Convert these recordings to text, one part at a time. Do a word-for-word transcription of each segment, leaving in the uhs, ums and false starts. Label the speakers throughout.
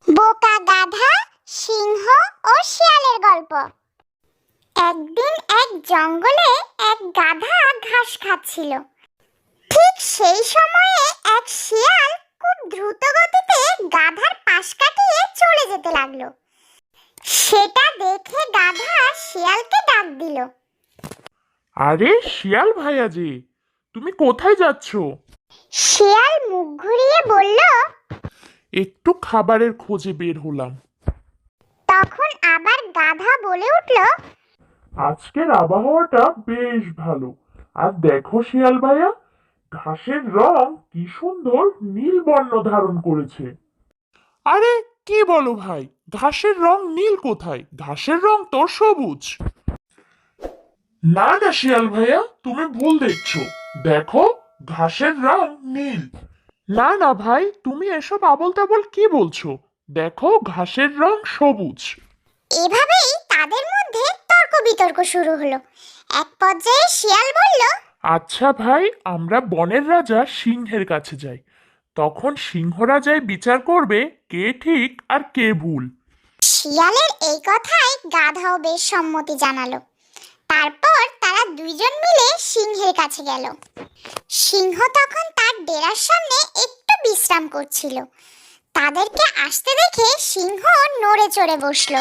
Speaker 1: বোকা গাধা, সিংহ ও শিয়ালের গল্প। একদিন এক জঙ্গলে এক গাধা ঘাস খাচ্ছিল। ঠিক সেই সময়ে এক শিয়াল খুব দ্রুত গতিতে গাধার পাশ কাটিয়ে চলে যেতে লাগলো। সেটা দেখে গাধা শিয়ালকে ডাক দিল।
Speaker 2: আরে শিয়াল ভাইয়া জি, তুমি কোথায় যাচ্ছ?
Speaker 1: শিয়াল মুখ ঘুরিয়ে বলল,
Speaker 2: একটু খাবারের খোঁজে বের হলাম।
Speaker 1: তখন আবার গাধা বলে উঠল,
Speaker 2: আজকের আবহাওয়াটা বেশ ভালো। আর দেখো শিয়াল ভাইয়া, ঘাসের রং কি সুন্দর নীল বর্ণ ধারণ করেছে। আরে কি বলো ভাই, ঘাসের রং নীল কোথায়? ঘাসের রং তো সবুজ। না না শিয়াল ভাইয়া, তুমি ভুল দেখছো। দেখো, ঘাসের রং নীল। না না ভাই, তুমি এসব আবোল তাবোল কি বলছো? দেখো, ঘাসের রং সবুজ।
Speaker 1: এভাবেই তাদের মধ্যে তর্ক বিতর্ক শুরু হলো। এক পর্যায়ে শিয়াল বলল,
Speaker 2: আচ্ছা ভাই, আমরা বনের রাজা সিংহের কাছে যাই। তখন সিংহ রাজাই বিচার করবে কে ঠিক আর কে ভুল।
Speaker 1: শিয়ালের এই কথায় গাধাও বেশ সম্মতি জানালো। তারপর তারা দুইজন মিলে সিংহের কাছে গেল। সিংহ তখন তার ডেরার সামনে একটু বিশ্রাম করছিল। তাদেরকে আসতে দেখে সিংহ নড়ে চড়ে বসলো।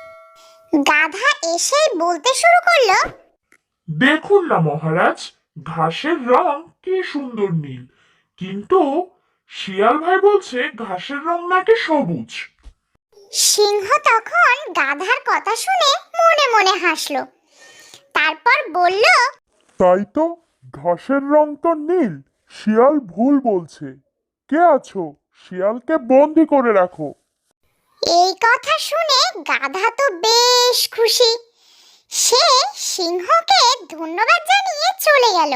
Speaker 1: গাধা এসেই বলতে শুরু করলো,
Speaker 2: দেখুন না মহারাজ, ঘাসের রং কি সুন্দর নীল, কিন্তু শিয়াল ভাই বলছে ঘাসের রং নাকি সবুজ।
Speaker 1: সিংহ তখন গাধার কথা শুনে মনে মনে হাসলো। তারপর বলল,
Speaker 2: তাই তো, ঘাসের রং তো নীল, শিয়াল ভুল বলছে। কে আছো? শিয়ালকে বন্দি করে রাখো।
Speaker 1: এই কথা শুনে গাধা তো বেশ খুশি। সে সিংহকে ধন্যবাদ জানিয়ে চলে গেল।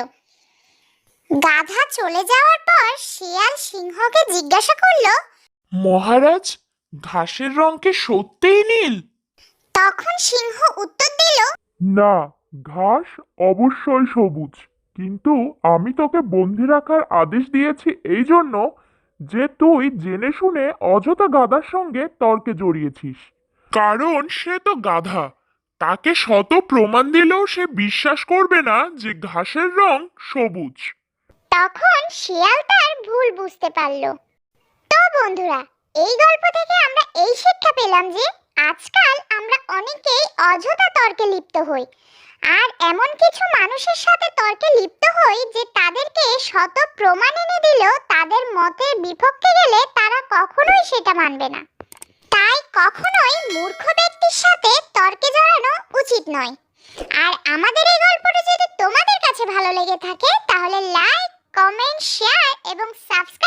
Speaker 1: গাধা চলে যাওয়ার পর শিয়াল সিংহকে জিজ্ঞাসা করলো,
Speaker 2: মহারাজ, ঘাসের রং কি সত্যিই নীল?
Speaker 1: তখন সিংহ উত্তর দিল,
Speaker 2: না, ঘাস অবশ্যই সবুজ, কিন্তু আমি তোকে বন্দি রাখার আদেশ দিয়েছি এই জন্য যে তুই জেনে শুনে অযথা গাধার সঙ্গে তর্কে জড়িয়েছিস। কারণ সে তো গাধা, তাকে শত প্রমাণ দিলেও সে বিশ্বাস করবে না যে ঘাসের রং সবুজ।
Speaker 1: তখন শিয়াল তার ভুল বুঝতে পারলো। তো বন্ধুরা, এই গল্প থেকে আমরা এই শিক্ষা পেলাম যে আজকাল আমরা অনেকেই অযথা তর্কে লিপ্ত হই। আর এমন কিছু মানুষের সাথে তর্কে লিপ্ত হই যে তাদেরকে শত প্রমাণ এনে দিলেও তাদের মতের বিপক্ষে গেলে তারা কখনোই সেটা মানবে না। তাই কখনোই মূর্খ ব্যক্তির সাথে তর্কে জড়ানো উচিত নয়। আর আমাদের এই গল্পটি যদি তোমাদের কাছে ভালো লেগে থাকে তাহলে লাইক, কমেন্ট, শেয়ার এবং সাবস্ক্রাইব